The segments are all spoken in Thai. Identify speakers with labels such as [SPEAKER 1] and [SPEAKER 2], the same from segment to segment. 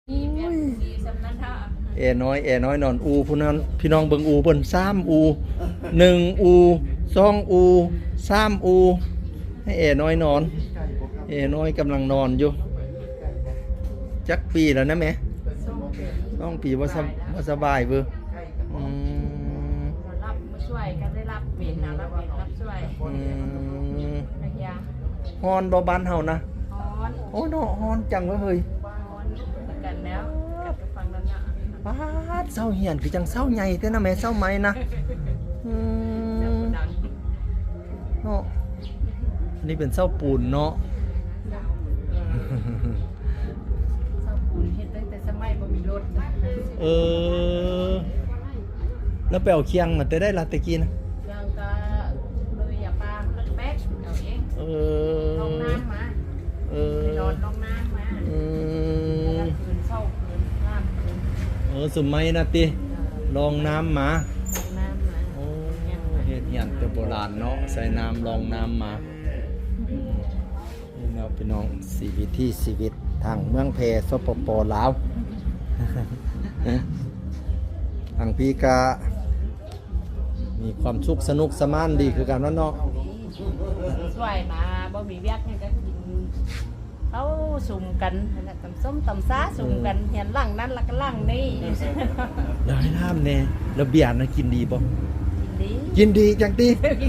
[SPEAKER 1] แอน้อยนอนอูผู้นั้นพี่น้องเบิ่งอูเบิ่น3อู1อู2อู3อูให้แอน้อยนอนแอน้อยกำลังนอนอยู่จักปีแล้วนะแม่2 ปีบ่สบายเบ้อ
[SPEAKER 2] รับมาช่วยกันได้รับเวรนะรับช่วยระยะ
[SPEAKER 1] ฮอนบ่บ้านเฮานะ
[SPEAKER 2] ฮอน
[SPEAKER 1] โอ้เนาะฮอนจังเว้ยเฮ้ย
[SPEAKER 2] ฮอนเหมือนกันแล้วกับฟังนั้นน่ะ
[SPEAKER 1] ปาดเศร้าเหียนคือจังเศร้าใหญ่แท้นะแม่เศร้าไหมนะเนาะนี่เป็นเศร้าปูนเนาะ
[SPEAKER 2] เศร้าปูนเฮ็ดตั้งแต่สมัยบ่มีรถ
[SPEAKER 1] แล้วไปเอาเคียงมาแต่ได้ละตะกี้นะ
[SPEAKER 2] ยังก็เลยอย่าปาแป๊กเอาเองลงน้ำมาไปนอนลงน้ำมาคืนเศร้าคืนน้ำคืน
[SPEAKER 1] สมัยนะติลองน้ำมา
[SPEAKER 2] ลงน้ำมา
[SPEAKER 1] โอ้เฮ็ดเหียนแต่โบราณเนาะใส่น้ำลองน้ำมานี่เนาะพี่น้องชีวิตทางเมืองเพสปปลาวทางพี่กามีความสุขสนุกสมานดีคือกันเนาะ
[SPEAKER 2] ช่วยมาบ่มีเวียกให้ก็กินเขาสุ่มกันตำส้มตำซ่าสุ่มกันเห็นหลังนั้นแล้วก็หลังนี้
[SPEAKER 1] ได้น้ำแน่แล้วเบียร์นะกินดีบ่
[SPEAKER 2] กินดี
[SPEAKER 1] จังติ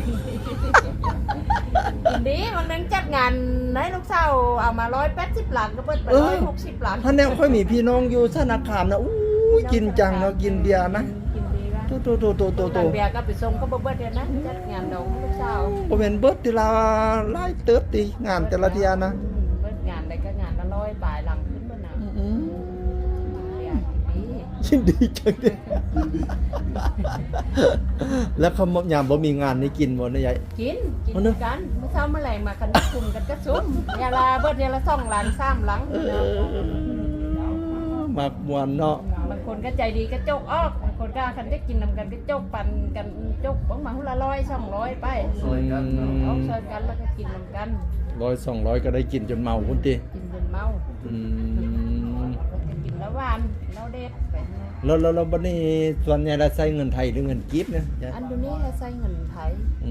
[SPEAKER 2] กินดีมันนึงจัดงานให้ลูกสาวเอามา180หลังก็เปิดไป160หลัง
[SPEAKER 1] ท่านแนวค่อยมีพี่น้องอยู่สนคามนะอู้กินจังเนาะกินเบียร์นะ
[SPEAKER 2] กินดีว่ะ
[SPEAKER 1] โต
[SPEAKER 2] เบียร์ก็ไปส่งก็บ่เบิดเด้นะจัดงานดองลูกสาว
[SPEAKER 1] บ่แม่นเบิดทีละหลายเติบติงานแต่ละเที่ยนะ
[SPEAKER 2] เบิดงานได้ก็งานละ100ปลายหลังขึ้นบ่น่ะ
[SPEAKER 1] ยินดีจังเลยแล้วเขายามบ่มีงานนี่กินบ่นะยาย
[SPEAKER 2] กินกันเมื่อเช้าเมื่อไหร่มากันคุมกันก็ซุ่มอย่าลาเบิดเดือนละ2หลัง3หลัง
[SPEAKER 1] มากมวนเนาะ
[SPEAKER 2] บางคนก็ใจดีก็จกออกบางคนก็คันได้กินนำกันก็จกปั่นกันจกบังมาหุ่นละ100 200ไปช่วยกันเอาช่วยกันแล้วก็กินนำกัน
[SPEAKER 1] 100 200ก็ได้กินจนเมาพุ่นติ
[SPEAKER 2] กินจนเมากินแล้วหวานแล้วเด็ดไป
[SPEAKER 1] แล้วบัดนี้ส่วนใหญ่เราใช้เงินไทยหรือเงินกีบเนี่ย
[SPEAKER 2] อันนี้เราใช้เงินไทย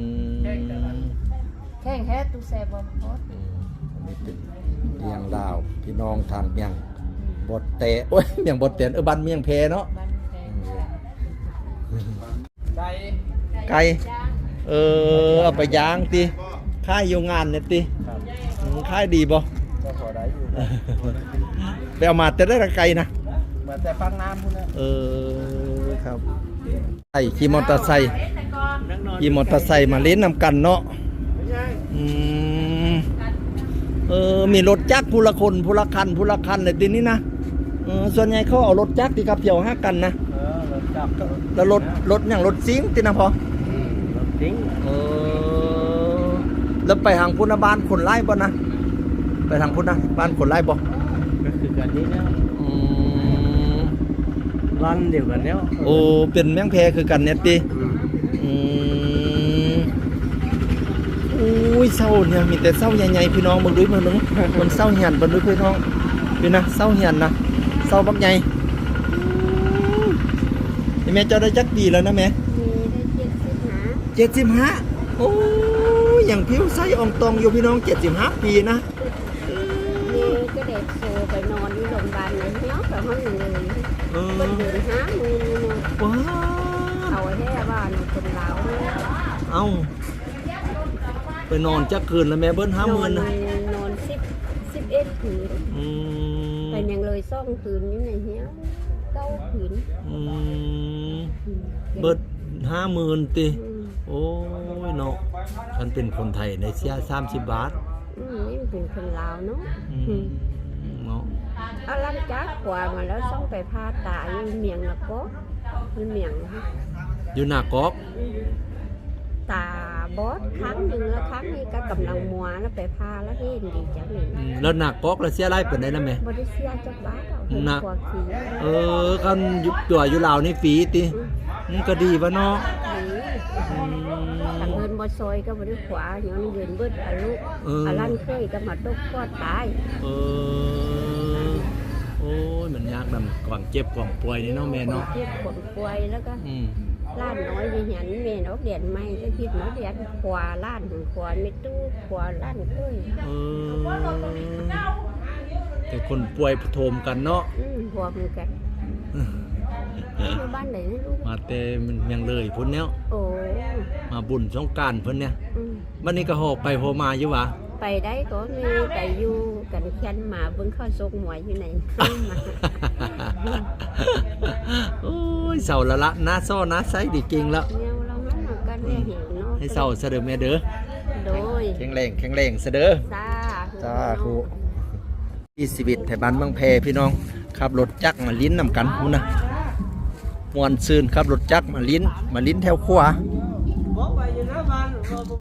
[SPEAKER 2] แข่งแค่ตู้แซ่บ่ฮอด
[SPEAKER 1] นี่เป็นเมียงลาวพี่น้องทางเมียงบดเตะโอ้ยเมียงบดเตะบ้านเมียงเพเนาะไก่เอาไปย่างติค่ายอยู่งานเนี่ยติค่ายดีบ่ไปเอามาแต่ได้ไก่นะ
[SPEAKER 3] มาแต่ฟังน้ำพุ่น
[SPEAKER 1] ครับขี่มอเตอร์ไซค์มาเล่นนำกันเนาะมีรถจักรผู้ละคนผู้ละคันเลยทีนี้นะส่วนใหญ่เขาเอารถจักรที่ขับเที่ยว5 กันนะ
[SPEAKER 3] รถจักร
[SPEAKER 1] แล้วรถอย่างรถซิงตินะพอ
[SPEAKER 3] รถซิง
[SPEAKER 1] แล้วไปทางพุทธบ้านขนไล่บ่นะไปทางพุทธนะบ้านขนไล่บ่
[SPEAKER 3] ก็คือกันนี้แล้วร้านเดียวกันแล้ว
[SPEAKER 1] โอ้เป็นแมงแพคือกันเนี่ยติอุ้ยเศร้าเนี่ยมีแต่เศร้าใหญ่ๆพี่น้องเบิ่งด้วยมึงมันเศร้าเหียนเบิ่งด้วยพี่น้องพี่นะเศร้าเหียนนะเศร้าบักใหญ่นี่แม่เจ้าได้จักปีแล้วนะแม่75โอ้ยอย่างผิวใสอ่องตองอยู่พี่น้อง75 ปีนะ
[SPEAKER 2] นี่ก็เด็กโซไปนอนที่โรงพยาบาลเลยเนาะแต่ห้องหนึ่งเลยเป็นเดือน5 มื้อ
[SPEAKER 1] ว้า
[SPEAKER 2] เอาแค่ว่าคนลาว
[SPEAKER 1] เอาไปนอนจักคืนแล้วแม่เบิ้ล50,000นะ
[SPEAKER 2] นอน11 คืนไปยังเลย2 คืนนี่ไหนเหี้ย9 คืน
[SPEAKER 1] เบิ้ล50,000ติโอ้ยเนาะฉันเป็นคนไทยในเสีย30 บาท
[SPEAKER 2] นี่เป็นคนลาวเนาะเอาลังจากกว่ามาแล้วต้องไปพาตาอยู่เมียงละก็อยู่เมียง
[SPEAKER 1] อยู่หน้ากอก
[SPEAKER 2] ตาบอสครั้งหนึ่งแล้วครั้งนี้ก็กำลังมัวแล้วไปพาแล้วเห็นดีจังเลย
[SPEAKER 1] แล้วหน้ากอกแล้วเสียไรเป็นได้แล้วไหม
[SPEAKER 2] บ่ได้เสียจักบาท
[SPEAKER 1] นะคันตัวอยู่ลาวนี่ฟรีติก็ดีวะเนาะ
[SPEAKER 2] ขันเงินบ่ซอยก็บ่ได้ขวาย้อนเงินเบิดอายุอาลันเคยก็มาตกก็ตาย
[SPEAKER 1] โอ้โอ้ยมันยากนำความเจ็บความป่วยนี่เนาะแม่เนาะ
[SPEAKER 2] เจ็บคนป่วยแล้วก็
[SPEAKER 1] อืม
[SPEAKER 2] ล้านน้อยดิฉันแม่นอกเดียนไม่ก็คิดน้อยเดียนขวาล้านขวาไม่ตู้ขวาล้านเอ้ย
[SPEAKER 1] เออแต่คนป่วยโทมกันเนาะ
[SPEAKER 2] หัวมือกันอยู่บ้านไหนนะลูก
[SPEAKER 1] มาแต่มันยังเลยพุ่นเนี้ย
[SPEAKER 2] โอ้
[SPEAKER 1] มาบุญสงกรานต์เพิ่นเนี่ย
[SPEAKER 2] อืม
[SPEAKER 1] วันนี้ก็หอบไปหอบมาอยู่หวะ
[SPEAKER 2] ไปได้ก็มีไปอยู่กันแค่นหมาเบิ่งเข้าซกหมวยอยู่ไหนมา
[SPEAKER 1] โอ้ยเศร้าละละหน้าซ้อหน้าไซดีจริงแล้ว
[SPEAKER 2] เนี่ยเรามันหนักกันแน่เหี่ยวเนาะ
[SPEAKER 1] ให้เศร้าซะเด้อแม่เด้อ
[SPEAKER 2] โดย
[SPEAKER 1] แข็งแรงซะเด้อ
[SPEAKER 2] ซา
[SPEAKER 1] สาธุที่ชีวิตแถวบ้านบางแพพี่น้องขับรถจักรมาลิ้นนำกันพูนะมวนซืนขับรถจักรมาลิ้นแถวขวา